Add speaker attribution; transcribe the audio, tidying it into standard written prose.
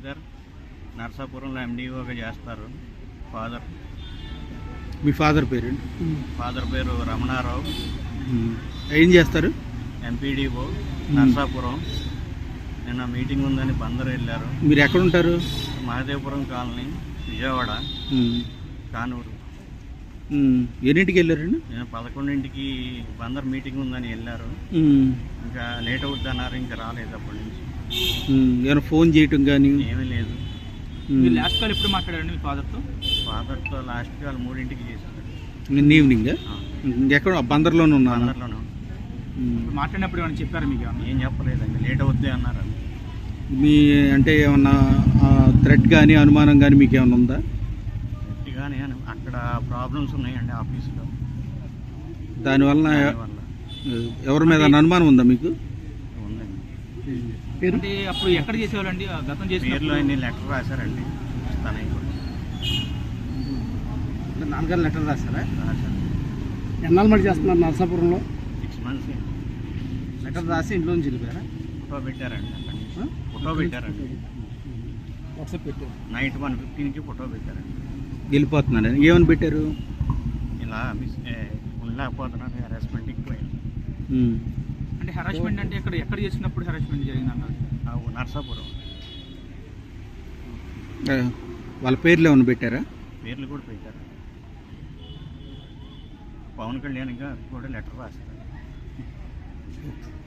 Speaker 1: శ్రీధర్ నర్సాపురంలో ఎండిఓగా చేస్తారు.
Speaker 2: మీ ఫాదర్ పేరు?
Speaker 1: ఫాదర్ పేరు రమణారావు.
Speaker 2: ఏం చేస్తారు?
Speaker 1: ఎంపీడీఓ నర్సాపురం. నిన్న మీటింగ్ ఉందని బందరు వెళ్ళారు.
Speaker 2: మీరు ఎక్కడ ఉంటారు?
Speaker 1: మహదేవపురం కాలనీ, విజయవాడ, కానూరు.
Speaker 2: ఎన్నింటికి వెళ్ళారండి?
Speaker 1: నేను 11ంటికి బందర్ మీటింగ్ ఉందని వెళ్ళారు. ఇంకా లేట్ అవుద్ది అన్నారు, ఇంకా రాలేదు అప్పటి నుంచి.
Speaker 2: ఏమైనా ఫోన్ చేయటం కానీ
Speaker 1: ఏమీ లేదు.
Speaker 3: మీరు లాస్ట్ కాల్ ఎప్పుడు మాట్లాడారండి మీ ఫాదర్తో?
Speaker 1: ఫాదర్తో లాస్ట్ కాల్ 3ంటికి చేశారు.
Speaker 2: నిన్న ఈవినింగ్. ఎక్కడ? బందర్లోనే ఉన్నాను.
Speaker 1: బందర్లోనే.
Speaker 3: మాట్లాడినప్పుడు ఏమైనా చెప్పారు మీకు?
Speaker 1: ఏం చెప్పలేదండి, లేట్ అవుద్ది అన్నారు.
Speaker 2: మీ అంటే ఏమన్నా థ్రెట్ కానీ అనుమానం కానీ మీకు ఏమైనా ఉందా?
Speaker 1: గట్టిగానే అక్కడ ప్రాబ్లమ్స్ ఉన్నాయండి ఆఫీస్లో.
Speaker 2: దానివల్ల ఎవరి మీద అనుమానం ఉందా మీకు?
Speaker 1: ఉందండి.
Speaker 3: అంటే అప్పుడు ఎక్కడ చేసేవాళ్ళండి? గతం చేసే
Speaker 1: పేర్లో అన్ని లెటర్ రాశారండి. తనకి
Speaker 2: నాన్నగారు లెటర్ రాశారా?
Speaker 1: రాశారు.
Speaker 2: ఎన్నాళ్ళు మరి చేస్తున్నారు నర్సాపురంలో?
Speaker 1: 6 months.
Speaker 2: లెటర్ రాసి ఇంట్లో నుంచి వెళ్ళిపోయారా?
Speaker 1: ఫోటో పెట్టారండి. అక్కడి నుంచి ఫోటో పెట్టారండి.
Speaker 2: వాట్సాప్ పెట్టారు.
Speaker 1: నైట్ 1:15కి ఫోటో పెట్టారండి.
Speaker 2: వెళ్ళిపోతున్నాను ఏమని పెట్టారు?
Speaker 1: ఇలా ఉండలేకపోతున్నాను, హెరాస్మెంట్కి పోయింది.
Speaker 3: అంటే హెరాస్మెంట్ అంటే ఎక్కడ చేసినప్పుడు హెరాస్మెంట్ జరిగింది అన్నారు?
Speaker 1: నర్సాపురం.
Speaker 2: వాళ్ళ పేర్లు ఏమైనా పెట్టారా?
Speaker 1: పేర్లు కూడా పెట్టారు. పవన్ కళ్యాణ్ కూడా లెటర్ రాశారు.